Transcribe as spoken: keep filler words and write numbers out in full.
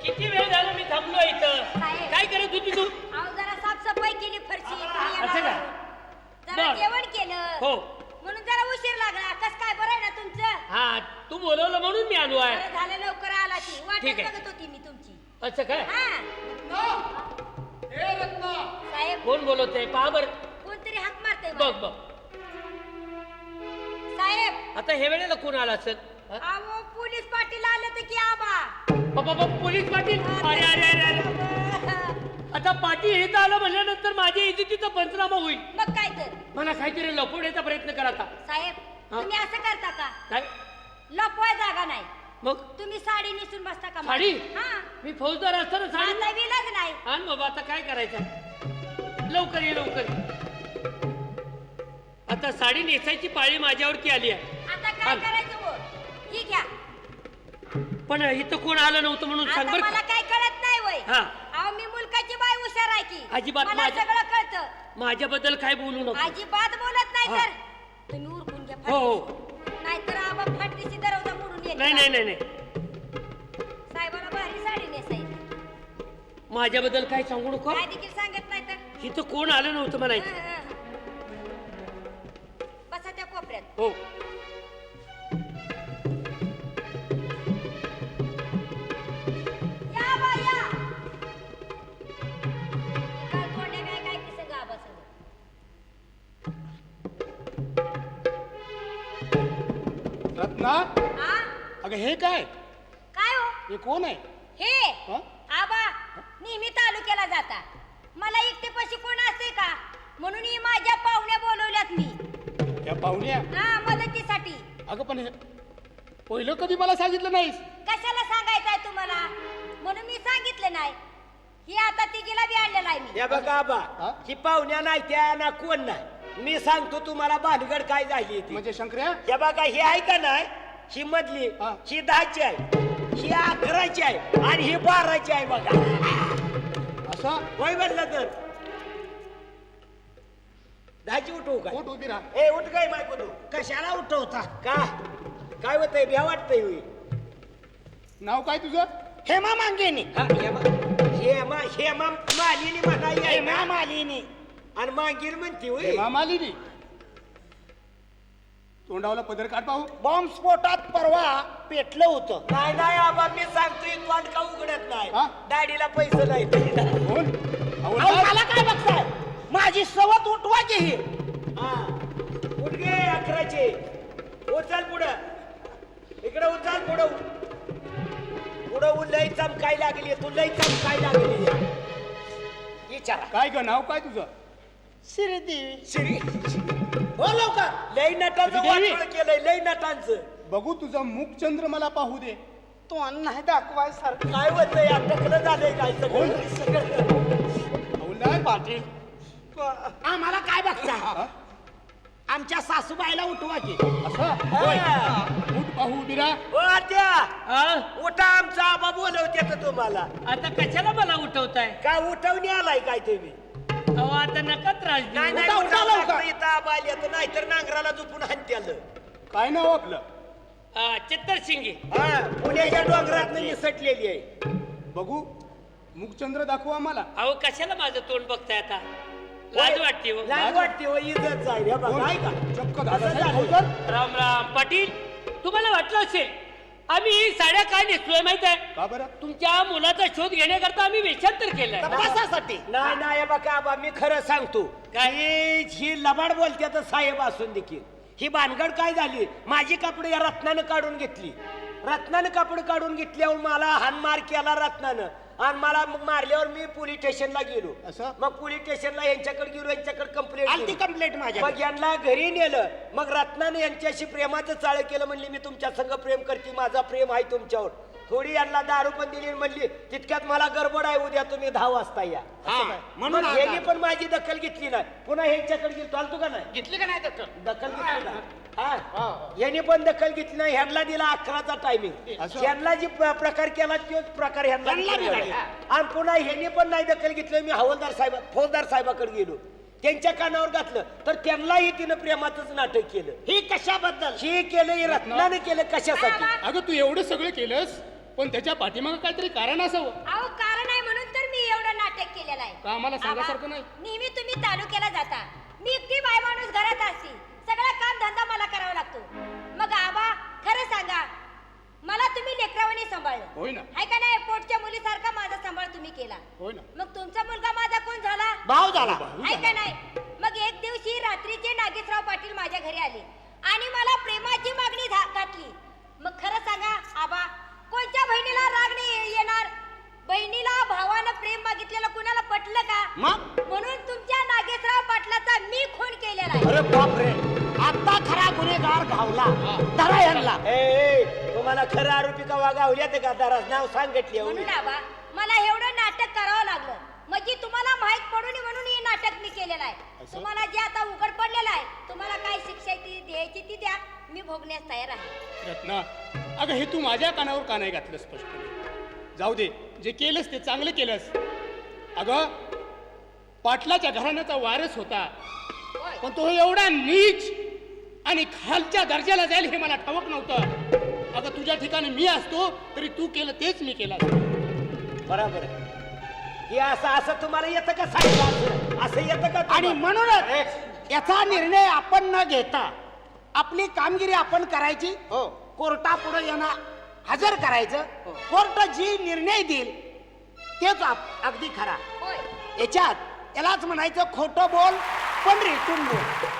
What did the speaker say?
किती वेळ झाला मी थांबलो इथं. साहेब. काय करत होती तू? अहो जरा साफसफाई केली फरशी असं का? जरा बरं. जेवण केलं हो. म्हणून जरा उशीर लागला. कस काय बरं आहे ना तुमचं? हा तू बोलवलं म्हणून मी आलो आहे. बरं झालं लवकर आला ती वाटत ठीक आहे. बघत होती मी तुमची. असं काय? हा हे रत्ना साहेब कोण बोलवतंय पहा बर. कोणतरी हाक मारतंय बघ मला. बघ साहेब आता हे वेळेला कोण आला असेल? हा? अहो पोलीस पाटील आले तर की आबा. बाबा बाबा, पोलीस पाटील. अरे अरे अरे अरे आता पाटील इथं आलं म्हणल्यानंतर माझ्या इज्जतीचा पंचनामा होईल. मग काय तर मला काहीतरी लपवण्याचा प्रयत्न करा आता. साहेब हा? तुम्ही असं करता का? काय लपवाय जागा नाही. मग तुम्ही साडी नेसून बसता का? साडी? हा मी फौजदार असताना साडी आता विलाज नाही. आण बाबा, आता काय करायचं? लवकर ये लवकर. आता साडी नेसायची पाळी माझ्यावरती आली आहे. आता काय आण. करायचं हो? ठीक घ्या. पण इथं कोण आलं नव्हतं म्हणून सांग आता बरं मला का? काय कळत नाही वय. हा. अहो मी मुलकाची बाई हुशार आहे की. अजिबात मला माझ्या- सगळं कळतं. माझ्याबद्दल काय बोलू नको. अजिबात बोलत नाही हा. तर तुम्ही उरकून घ्या. हो हो. नाहीतर आबा फाटलीची दरवाजा मोडून येईल. नाही नाही नाही नाही साहेबाला भारी साडी नेसायची. माझ्याबद्दल काय सांगू नको. काय देखील सांगत नाही तर. इथं कोण आलं नव्हतं म्हणायचं. हं, हं. बसा त्या कोपऱ्यात. हो या बा या. हे काय तोंड्या काय काय की सगळं आबा सगळं. रत्ना हा अगं हे काय काय हो हे कोण आहे हे हा? आबा नेहमी तालुक्याला जाता. मला एकटेपाशी कोण असते का म्हणून ही माझ्या पाहुण्या बोलवल्यात मी. या पाहुण्या हा मदतीसाठी. अगं पण हे पहिलं कधी मला सांगितलं नाहीस. कशाला सांगायचंय तुम्हाला म्हणून मी सांगितलं नाही. ही आता तिघीला बी आणलेला आहे मी. या बघा आबा हा? ही पाहुण्या नाही त्या ना कोण नाही. मी सांगतो तुम्हाला भानगड काय झाली ती. म्हणजे शंकर्या या बघा ही आहे का नाही ही मधली हा. ही दहाची आहे ही अकराची आहे आणि ही बाराची आहे बघा. असं होय म्हणलं तर दहाची उठवू का? पोट उभी राहा. ए उठ काय बायको तू कशाला उठवता का काय होतंय भ्या वाटतंय होई. नाव काय तुझं? हेमा मांगेनी हेमा हेमा हेमा मालिनी म्हणाई हेमा मालिनी आणि मांगीर म्हणती होय. हेमा मालिनी. तोंडावला पदर काढ पाहू. बॉम्ब स्फोटात परवा पेटलं होतं. नाही नाही आबा मी सांगतोय तोंड का उघडत नाही. हा? दाढीला पैसे नाही. कोण? अहो, हवलदार? मला काय बघताय माझी सवत उठवा की ही. हा उठ गे अकराचे उचल पुढं इकडे उचल पुढं पुढं लई चमकाय लागली तू लई चमकाय लागली. विचारा काय ग नाव काय तुझं? श्रीदेवी श्री हो लवकर लई नटांचं श्रीदेवी? वाटोळं केलंय लई नटांचं. बघू तुझं मुखचंद्र मला पाहू दे. तो नाही दाखवाय सारखं काय होतंय अटकलं झालंय काय सगळं सगळं. हवलदार पाटील आम्हाला काय बघता हा? आमच्या सासूबाईला उठवा की. असं हा. उठ पाहू उभी राहा. ओ त्या हा? उठा आमचा आबा बोलवते तर तुम्हाला आता कशाला मला उठवताय? काय उठवणी आलाय काय तुम्ही? अहो आता नका त्रास नाही देऊ. नाही उठा लवकर. इथं आबा आली तर नाहीतर नांगराला झोपून हाणत्याल. काय नाव आपलं? हा, चित्तर शिंगे. हा पुण्याच्या डोंगरात निसटलेली आहे. बघू मुखचंद्र दाखव आम्हाला. अहो कशाला माझं तोंड बघताय आता? लाज वाटते हो. लाज वाटते हो इज्जत जाईल हे बघा आहे का चक्क असं दादासाहेब झालं. हवलदार. राम राम पाटील, तुम्हाला वाटलं असेल आम्ही साड्या काय नेसलोय माहित आहे? का बरं? तुमच्या मुलाचा शोध घेण्याकरता आम्ही वेषांतर केलंय. तपासासाठी नाही नाही हे बघा आबा मी खरं सांगतो काय? ही ही लबाड बोलते तर साहेब असून देखील ही भानगड काय झाली. माझी कपडे या रत्नानं काढून घेतली. रत्नानं कपडे काढून घेतल्यावर मला हानमार केला रत्नानं आणि मला मग मारल्यावर मी पोलीस स्टेशनला गेलो. असं? मग पोलीस स्टेशनला यांच्याकडे गेलो यांच्याकडे कंप्लेंट आलती complaint माझ्या. मग यांना घरी नेलं. मग रत्नानं यांच्याशी प्रेमाचं चाळ केलं. म्हणली मी तुमच्या संग प्रेम करते माझा प्रेम आहे तुमच्यावर. थोडी यांना दारू पण दिली आणि म्हणली तितक्यात मला गडबड आहे उद्या तुम्ही दहा वाजता या. हा, म्हणून मग आला. यांनी पण माझी दखल घेतली नाही. पुन्हा ह्यांच्याकडे गेलो चालतो का नाही घेतली का नाही दखल? दखल घेतली नाही. हा यांनी पण दखल घेतली नाही. ह्यांना दिला अकराचा टायमिंग. असं? ह्यांना जी प्र- प्रकार केला तोच प्रकार ह्यांना ह्यांना बी केला. झाला. आणि पुन्हा ह्यांनी पण नाही दखल घेतली. मी हवालदार साहेब फौजदार साहेबाकडे गेलो. त्यांच्या कानावर घातलं तर त्यांनाही तिनं प्रेमाचंच नाटक केलं. ही कशाबद्दल? हे केलं हे रत्नाने केलं कशासाठी? अगं तू एवढं सगळं केलंस पण त्याच्या पाठीमागं काहीतरी कारण असावं. अहो कारण आहे म्हणून तर मी एवढं नाटक केलेलं आहे. का आम्हाला आबा, सांगासारखं नाही? नेहमी तुम्ही तालुक्याला जाता, मी एकटी बाय माणूस घरात असते, सगळा काम धंदा मला करावा लागतो. मग आबा खरं सांगा, मला तुम्ही लेकरावानी सांभाळलं होय ना. आहे का नाही? पोटच्या मुलीसारखा माझा सांभाळ तुम्ही केला. होय ना. मग तुमचा मुलगा माझा कोण झाला? भाव झाला. आहे का नाही? मग एक दिवशी रात्रीचे नागेशराव पाटील माझ्या घरी आले आणि मला प्रेमाची मागणी घा- घातली. मग खरं सांगा आबा, कोणत्या बहिणीला राग नाही येणार? बहिणीला भावानं प्रेम मागितलेलं कुणाला पटलं का? मग म्हणून तुमच्या नागेशराव पाटलाचा मी खून केलेला आहे. अरे बापरे, आता खरा गुन्हेगार घावला. धरा यांना. तुम्हाला खरं आरोपी का वागावल्या ते का दराज नाव सांगितले. म्हणून आबा मला एवढं नाटक करावं लागलं, म्हणजे तुम्हाला माहित पडू नये म्हणून हे नाटक मी केलेलं आहे. तुम्हाला जे आता उघड पडलेलं आहे, तुम्हाला काय शिक्षा ती द्यायची ती द्या, मी भोगण्यास तयार आहे. रत्ना, अगं हे तू माझ्या कानावर का नाही घातलं स्पष्टपणे? जाऊ दे, जे केलंस ते चांगलं केलंस. अगं पाटलाच्या घराण्याचा वारस होता, होय. पण तो एवढा नीच आणि खालच्या दर्जाला जाईल हे मला ठाऊक नव्हतं. अगं तुझ्या ठिकाणी मी असतो तरी तू केलं तेच मी केलं असतं. बरोबर आहे. हे असं असं तुम्हाला येतं का साहेब? असं असं येतं का? आणि म्हणूनच याचा निर्णय आपण न घेता आपली कामगिरी आपण करायची. हो. कोर्टापुढे यांना हजर करायचं. कोर्ट जी निर्णय देईल तेच आप- अगदी खरा. होय. याच्यात यालाच म्हणायचं खोटं बोल पण रेटून बोल.